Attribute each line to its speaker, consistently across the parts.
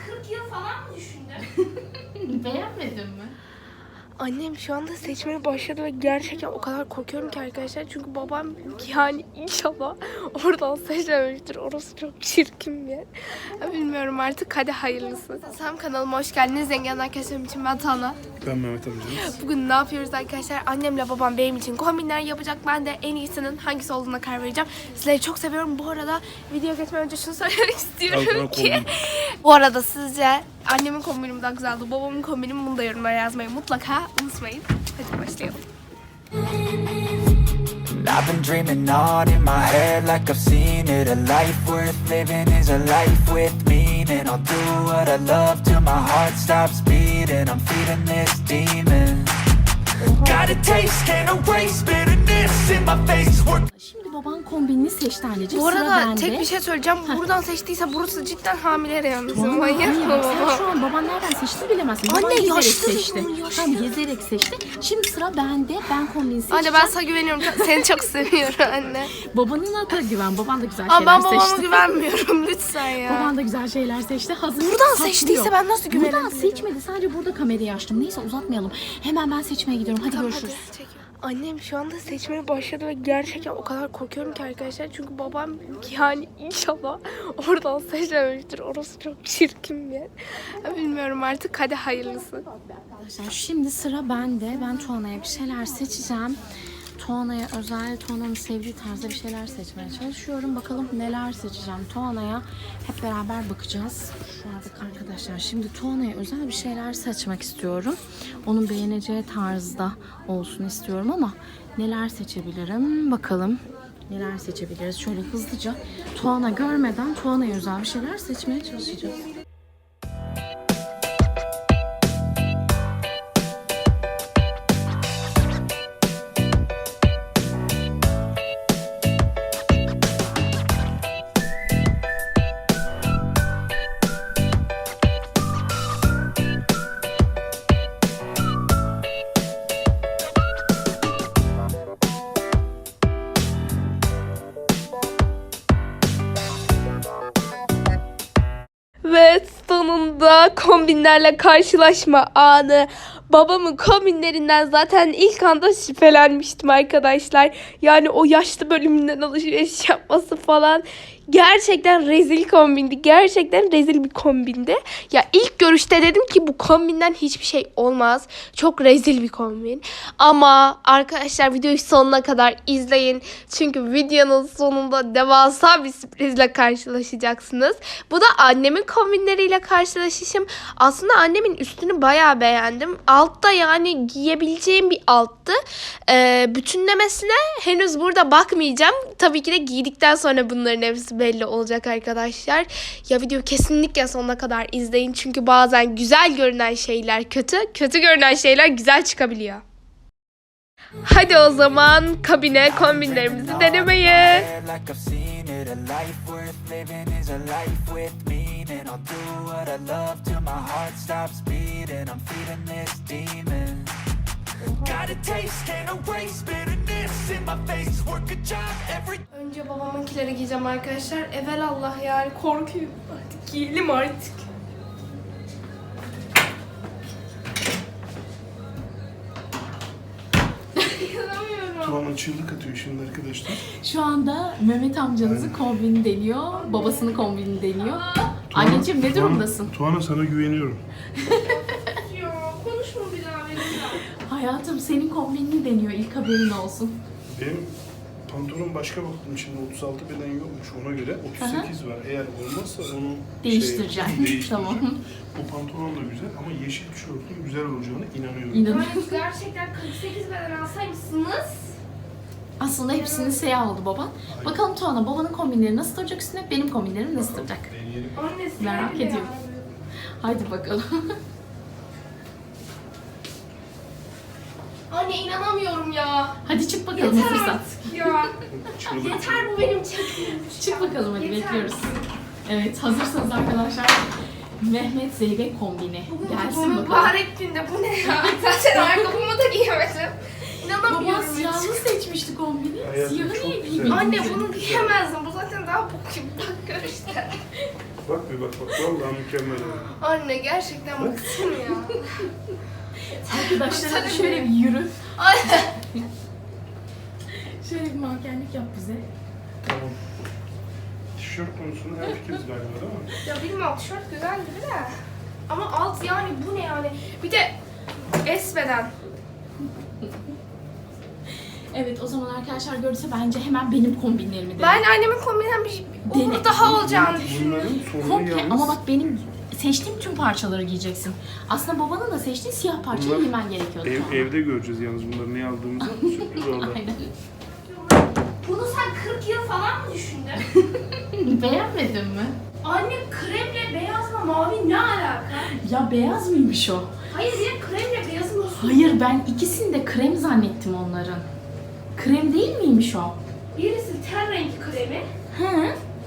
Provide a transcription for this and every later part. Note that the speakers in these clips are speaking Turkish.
Speaker 1: 40 yıl falan mı düşündün?
Speaker 2: Beğenmedin mi?
Speaker 3: Annem şu anda seçmeye başladı ve gerçekten o kadar korkuyorum ki arkadaşlar. Çünkü babam yani inşallah oradan seçmemiştir. Orası çok çirkin bir yer. Ya bilmiyorum artık, hadi hayırlısı. Sam kanalıma hoş geldiniz. Zengin arkadaşlarım için ben Tana.
Speaker 4: Ben Mehmet amcanız.
Speaker 3: Bugün ne yapıyoruz arkadaşlar? Annemle babam benim için kombinler yapacak. Ben de en iyisinin hangisi olduğuna karar vereceğim. Sizleri çok seviyorum. Bu arada video geçmeden önce şunu söylemek istiyorum ki. Bu arada sizce annemin kombini mi daha güzeldi, babamın kombini mi? Bunu da yorumlara yazmayı mutlaka unutmayın. Hadi başlayalım.
Speaker 5: I've been dreaming on in my head like I've seen it. A life worth living is a life with meaning. I'll do what I love till my heart stops beating. I'm feeding this demon. Got a taste, can't erase bitterness in my face.
Speaker 2: Şimdi baban kombinini seçti anneciğim.
Speaker 3: Bu
Speaker 2: Sıra
Speaker 3: arada
Speaker 2: bende.
Speaker 3: tek bir şey söyleyeceğim. Buradan seçtiyse burası cidden hamile yalnız.
Speaker 2: Hayır,
Speaker 3: Manyak mı
Speaker 2: bak sen
Speaker 3: baba?
Speaker 2: şu an baban nereden seçti bilemezsin.
Speaker 3: Anne,
Speaker 2: Baban gezerek
Speaker 3: yaşlı
Speaker 2: seçti.
Speaker 3: dedim, yaşlı.
Speaker 2: Tamam, gezerek seçti. Şimdi sıra bende. Ben kombini seçeceğim.
Speaker 3: Anne ben sana güveniyorum. Seni çok seviyorum anne.
Speaker 2: Babanına da güven. Baban da güzel
Speaker 3: Ama
Speaker 2: şeyler
Speaker 3: ben babama
Speaker 2: seçti.
Speaker 3: güvenmiyorum lütfen ya.
Speaker 2: Baban da güzel şeyler seçti. Hazır.
Speaker 3: Buradan
Speaker 2: saklıyor.
Speaker 3: seçtiyse ben nasıl güvenebilirim?
Speaker 2: Buradan seçmedi. Sadece burada kamerayı açtım. Neyse uzatmayalım. Hemen ben seçmeye gidiyorum. Hadi görüşürüz.
Speaker 3: Annem şu anda seçmeye başladı ve gerçekten o kadar korkuyorum ki arkadaşlar. Çünkü babam yani inşallah oradan seçmemiştir. Orası çok çirkin bir yer. Ya bilmiyorum artık, hadi hayırlısı.
Speaker 2: Arkadaşlar şimdi sıra bende. Ben Tuana'ya bir şeyler seçeceğim. Tuana'ya özel, Tuana'nın sevdiği tarzda bir şeyler seçmeye çalışıyorum. Bakalım neler seçeceğim Tuana'ya. Hep beraber bakacağız. Şu an arkadaşlar şimdi Tuana'ya özel bir şeyler seçmek istiyorum. Onun beğeneceği tarzda olsun istiyorum ama neler seçebilirim bakalım. Neler seçebiliriz? Şöyle hızlıca Tuana görmeden Tuana'ya özel bir şeyler seçmeye çalışacağız.
Speaker 3: Ve sonunda kombinlerle karşılaşma anı. Babamın kombinlerinden zaten ilk anda şüphelenmiştim arkadaşlar. Yani o yaşlı bölümünden alışveriş yapması falan. Gerçekten rezil kombindi. Gerçekten rezil bir kombindi. Ya ilk görüşte dedim ki bu kombinden hiçbir şey olmaz. Çok rezil bir kombin. Ama arkadaşlar videoyu sonuna kadar izleyin. Çünkü videonun sonunda devasa bir sürprizle karşılaşacaksınız. Bu da annemin kombinleriyle karşılaşışım. Aslında annemin üstünü bayağı beğendim. Altta yani giyebileceğim bir alttı. Bütünlemesine henüz burada bakmayacağım. Tabii ki de giydikten sonra bunların hepsi belli olacak arkadaşlar. Ya videoyu kesinlikle sonuna kadar izleyin. Çünkü bazen güzel görünen şeyler kötü, kötü görünen şeyler güzel çıkabiliyor. Hadi o zaman kabine kombinlerimizi denemeye. Önce babamınkileri giyeceğim arkadaşlar. Evelallah yani korkuyorum. Artık giyelim artık.
Speaker 4: Tuğan'ın çığlık atıyor şimdi arkadaşlar.
Speaker 2: Şu anda Mehmet amcanızın kombini deniyor. Babasının kombini deniyor. Anneciğim ne durumdasın?
Speaker 4: Tuğan'a sana güveniyorum.
Speaker 3: Ya konuşma bir daha benimle.
Speaker 2: Hayatım senin kombinini deniyor. İlk haberin olsun.
Speaker 4: Benim pantolon başka baktım şimdi 36 beden yokmuş ona göre 38 var. Eğer olmazsa onu
Speaker 2: Değiştireceğim.
Speaker 4: değiştireceğim.
Speaker 2: Tamam.
Speaker 4: Bu pantolon da güzel ama yeşil tişörtün güzel olacağına inanıyorum.
Speaker 2: İnanın.
Speaker 3: Gerçekten 48 beden alsaymışsınız.
Speaker 2: Aslında hepsinin siyah oldu baban. Bakalım Tuana babanın kombinleri nasıl duracak üstüne, benim kombinlerim nasıl duracak?
Speaker 4: Deneyelim.
Speaker 3: Annesi
Speaker 2: Merak
Speaker 3: öyle
Speaker 2: ediyorum. Haydi bakalım.
Speaker 3: Anne inanamıyorum ya.
Speaker 2: Hadi çık bakalım
Speaker 3: Yeter
Speaker 2: hazırsan.
Speaker 3: artık ya.
Speaker 4: Çığlık
Speaker 3: Yeter bu benim çektiğim.
Speaker 2: Çık bakalım hadi
Speaker 3: Yeter.
Speaker 2: bekliyoruz. Evet hazırsanız arkadaşlar. Mehmet Zeybek kombini. Gelsin bakalım.
Speaker 3: Mübarek günde bu ne ya? Zaten ayakkabımı da giyemedim.
Speaker 2: Baba
Speaker 3: İnanamıyorum.
Speaker 2: siyahlı seçmişti kombini.
Speaker 4: Hayatım,
Speaker 2: Siyahı
Speaker 4: çok
Speaker 2: niye
Speaker 4: güzel.
Speaker 2: giymedin?
Speaker 3: Anne bunu giyemezdim. Bu zaten daha bok gibi. Bak gör işte.
Speaker 4: Bak bir bak. Vallahi mükemmel.
Speaker 1: Anne gerçekten bıktım ya.
Speaker 2: Arkadaşlara şöyle bir yürü.
Speaker 1: Anne.
Speaker 2: Şöyle bir mankenlik yap bize.
Speaker 4: Tamam. Tişört konusunda hemfikiriz galiba değil mi?
Speaker 1: Ya bilmiyorum tişört güzel gibi de. Ama alt yani bu ne yani? Bir de esmeden.
Speaker 2: Evet, o zaman arkadaşlar görürse bence hemen benim kombinlerimi deneyin.
Speaker 1: Ben annemin kombinen bir olur daha olacağını düşünüyorum.
Speaker 4: Bunların sorunu
Speaker 2: Komple
Speaker 4: yalnız.
Speaker 2: ama bak benim seçtiğim tüm parçaları giyeceksin. Aslında babanın da seçtiği siyah parçayı
Speaker 4: Bunlar
Speaker 2: giymen gerekiyordu.
Speaker 4: Evde göreceğiz yalnız bunları ne aldığımızı. Sürpriz orada.
Speaker 2: Aynen.
Speaker 1: Bunu sen 40 yıl falan mı düşündün?
Speaker 2: Beğenmedin mi?
Speaker 1: Anne kremle beyazla mavi ne alaka?
Speaker 2: Ya beyaz mıymış o?
Speaker 1: Hayır ya kremle beyazın nasıl?
Speaker 2: Hayır, ben ikisini de krem zannettim onların. Krem değil miymiş o?
Speaker 1: Birisi ten rengi kremi.
Speaker 2: Hı.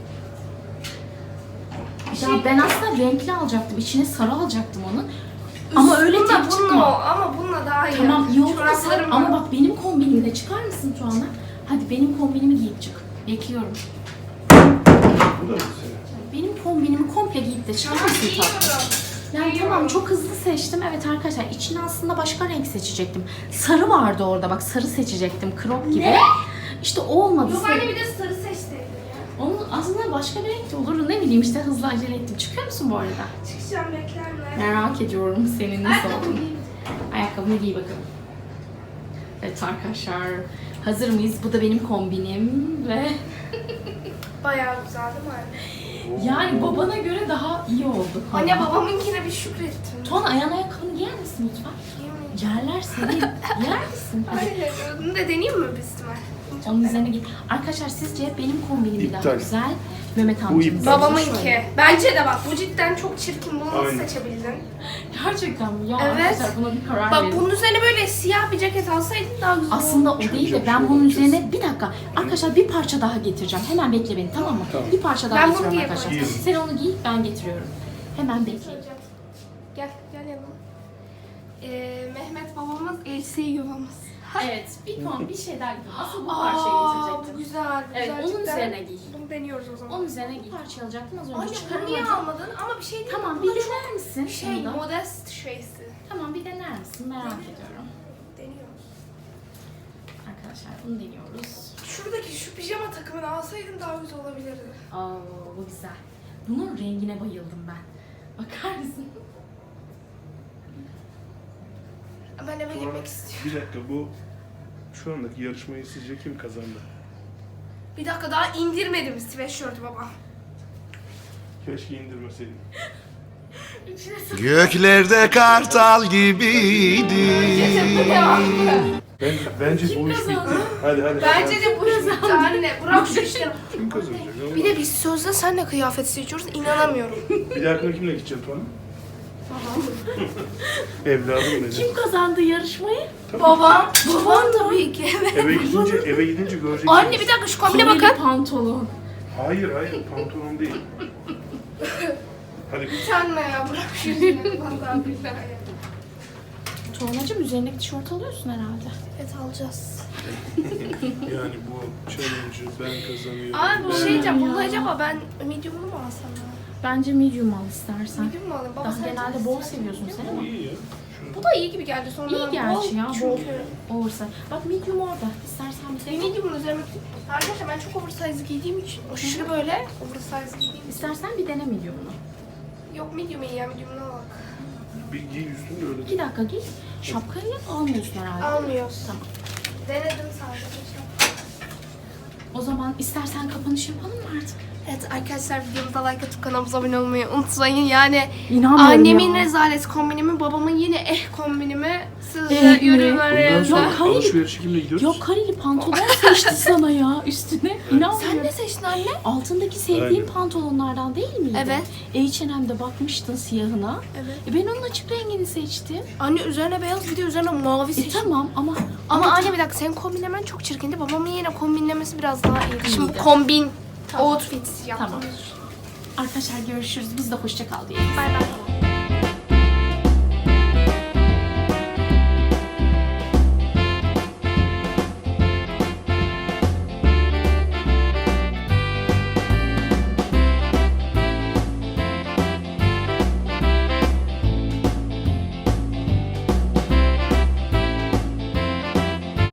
Speaker 2: Ya ben aslında renkli alacaktım. İçine sarı alacaktım onun. Ama öyle
Speaker 1: Bununla,
Speaker 2: tek çıkma.
Speaker 1: ama bununla daha iyi.
Speaker 2: Tamam, iyi oldu da sen,
Speaker 1: Çoraplarım
Speaker 2: ama
Speaker 1: var.
Speaker 2: bak benim kombinimi de çıkar mısın şu anda? Hadi benim kombinimi giyip çık. Bekliyorum.
Speaker 4: Bu da mı senin?
Speaker 2: Benim kombinimi komple giyip de çıkar mısın tatlım?
Speaker 1: Giyiyorum.
Speaker 2: Yani tamam, çok hızlı seçtim. Evet arkadaşlar, içine aslında başka renk seçecektim. Sarı vardı orada, bak sarı seçecektim crop gibi.
Speaker 1: Ne?
Speaker 2: İşte o olmadı.
Speaker 1: Yok anne bir de sarı seçseydin ya.
Speaker 2: Onun aslında başka bir renk de olur. Ne bileyim işte, hızlı acele ettim. Çıkıyor musun bu arada?
Speaker 1: Çıkacağım beklerler.
Speaker 2: Merak ediyorum senin nasıl olduğunu. Ayakkabını giy bakalım. Evet arkadaşlar, hazır mıyız? Bu da benim kombinim ve
Speaker 1: Bayağı güzel değil mi anne?
Speaker 2: yani babana göre daha iyi oldu.
Speaker 1: Anne babamınkine bir şükrettim.
Speaker 2: Ton ayağın ayakkabını giyer misin lütfen? Yerler seni. Yer misin? Hadi.
Speaker 1: Hayır, bunu da deneyeyim mi biz ihtimal?
Speaker 2: Onun üzerine git. Arkadaşlar sizce benim kombinim mi daha
Speaker 4: İptal.
Speaker 2: güzel? Mehmet
Speaker 4: Bu
Speaker 2: amcamın.
Speaker 4: iptal.
Speaker 1: Babamınki. Bence de bak bu cidden çok çirkin. Bunu nasıl
Speaker 4: Aynen.
Speaker 1: seçebildin?
Speaker 2: Gerçekten mi? Ya
Speaker 1: Evet.
Speaker 2: arkadaşlar buna bir karar
Speaker 1: Bak
Speaker 2: verin.
Speaker 1: bunun üzerine böyle siyah bir ceket alsaydın daha güzel
Speaker 2: Aslında o
Speaker 1: olurdu.
Speaker 2: değil de
Speaker 4: Çok
Speaker 2: ben
Speaker 4: şey
Speaker 2: bunun
Speaker 4: yapacağız.
Speaker 2: üzerine bir dakika. Arkadaşlar bir parça daha getireceğim. Hemen bekle beni, tamam mı?
Speaker 4: Tamam.
Speaker 2: Bir parça daha
Speaker 1: Ben bunu
Speaker 2: getiriyorum
Speaker 1: giyeyim.
Speaker 2: arkadaşlar.
Speaker 4: Giyelim.
Speaker 2: Sen onu giy, ben getiriyorum. Hemen bekleyin.
Speaker 1: Gel yanıma. Mehmet babamız, Elsi yuvamız.
Speaker 2: Evet, bir şey daha getirdim. Asıl bu
Speaker 1: Aa,
Speaker 2: parçayı
Speaker 1: bu
Speaker 2: getirecektim.
Speaker 1: güzel. Bu
Speaker 2: Evet,
Speaker 1: güzel
Speaker 2: onun
Speaker 1: cidden.
Speaker 2: üzerine giy.
Speaker 1: Bunu deniyoruz o zaman.
Speaker 2: Onun üzerine giy. Parça alacaktım az önce
Speaker 1: Anne bunu niye
Speaker 2: çıkaramadım.
Speaker 1: almadın? Ama bir şey değil.
Speaker 2: Tamam,
Speaker 1: Bu
Speaker 2: bir
Speaker 1: da
Speaker 2: dener misin?
Speaker 1: çok şey
Speaker 2: şunu da?
Speaker 1: modest şeysi.
Speaker 2: Tamam, bir dener misin? Merak ediyorum.
Speaker 1: Deniyoruz.
Speaker 2: Arkadaşlar bunu deniyoruz.
Speaker 1: Şuradaki şu pijama takımını alsaydın daha güzel olabilirdi.
Speaker 2: Aa, bu güzel. Bunun rengine bayıldım ben. Bakar mısın?
Speaker 1: Ben eve
Speaker 4: Sonra
Speaker 1: gitmek istiyorum.
Speaker 4: bir dakika bu şu andaki yarışmayı sizce kim kazandı?
Speaker 1: Bir dakika daha indirmedim sweatshirt'ü baba.
Speaker 4: Keşke indirmeseydin.
Speaker 6: Göklerde kartal gibiydi.
Speaker 4: Bence bu iş bitti. Hadi.
Speaker 1: Bence de bu iş bitti anne. Bırak şu işleri.
Speaker 4: Kim kazanacak?
Speaker 1: Bir de biz sözde senle kıyafet seçiyoruz. İnanamıyorum.
Speaker 4: Bir dahakine kimle gideceksin Tuana? Evladım benim.
Speaker 2: Kim kazandı yarışmayı?
Speaker 1: Babam. Babam tabii ki.
Speaker 4: Eve gidince göreceksin.
Speaker 1: Anne bir dakika şu kombine
Speaker 2: Kolye
Speaker 1: bakın.
Speaker 2: pantolon.
Speaker 4: Hayır pantolon değil. Hadi
Speaker 1: Sen ne ya bırak şu işleri. Vallahi billahi ya.
Speaker 2: Tuğanacığım, üzerindeki tişört alıyorsun herhalde.
Speaker 1: Evet alacağız.
Speaker 4: yani bu challenge'ı ben kazanıyorum.
Speaker 1: Abi bir şey diyeceğim. Bunu acaba ben medium'unu mu alsam ya?
Speaker 2: Bence medium al istersen.
Speaker 1: Medium mu alayım? Baba
Speaker 2: Daha
Speaker 1: sen
Speaker 2: genelde
Speaker 1: çok
Speaker 2: bol
Speaker 1: istersen
Speaker 2: seviyorsun
Speaker 1: medium.
Speaker 2: sen
Speaker 4: Bu
Speaker 2: ama.
Speaker 4: iyi ya. Şunu-
Speaker 1: Bu da iyi gibi geldi sonra.
Speaker 2: İyi gerçi ya, bol
Speaker 1: Çünkü.
Speaker 2: oversize. Bak medium orada. İstersen bir de.
Speaker 1: Medium'un üzerine... Arkadaşlar ben çok oversize giydiğim için aşırı böyle oversize giydiğim için.
Speaker 2: İstersen bir dene medium'unu.
Speaker 1: Yok medium iyi ya medium'una bak.
Speaker 4: Bir giy üstünde öyle.
Speaker 2: 2 dakika giy. Şapkayı almıyorsun herhalde.
Speaker 1: Almıyoruz.
Speaker 2: Tamam.
Speaker 1: Denedim sadece.
Speaker 2: O zaman istersen kapanış yapalım mı artık?
Speaker 1: Evet arkadaşlar videomuza like atıp kanalımıza abone olmayı unutmayın. Yani
Speaker 2: İnanmıyorum
Speaker 1: annemin
Speaker 2: ya.
Speaker 1: rezalet kombinimi, babamın yine kombinimi sizce
Speaker 2: mi?
Speaker 1: yorumlara
Speaker 4: Bundan
Speaker 1: yazın.
Speaker 4: sonra alışverişe kimle gidiyoruz?
Speaker 2: Yok, kareli pantolon seçti sana ya üstüne. İnanmıyorum.
Speaker 1: Sen ne seçtin anne?
Speaker 2: Altındaki sevdiğin
Speaker 4: Aynen.
Speaker 2: pantolonlardan değil miydi?
Speaker 1: Evet.
Speaker 2: H&M'de bakmıştın siyahına.
Speaker 1: Evet.
Speaker 2: Ben onun açık rengini seçtim.
Speaker 1: Anne üzerine beyaz bir de üzerine mavi seçtim.
Speaker 2: Tamam ama
Speaker 1: Ama anne bir dakika senin kombinlemen çok çirkindi. Babamın yine kombinlemesi biraz daha iyiydi. Şimdi bu
Speaker 2: İyiydi.
Speaker 1: kombin outfit yaptım.
Speaker 2: Tamam. Arkadaşlar görüşürüz. Biz de hoşça kal diyelim.
Speaker 1: Bay bay.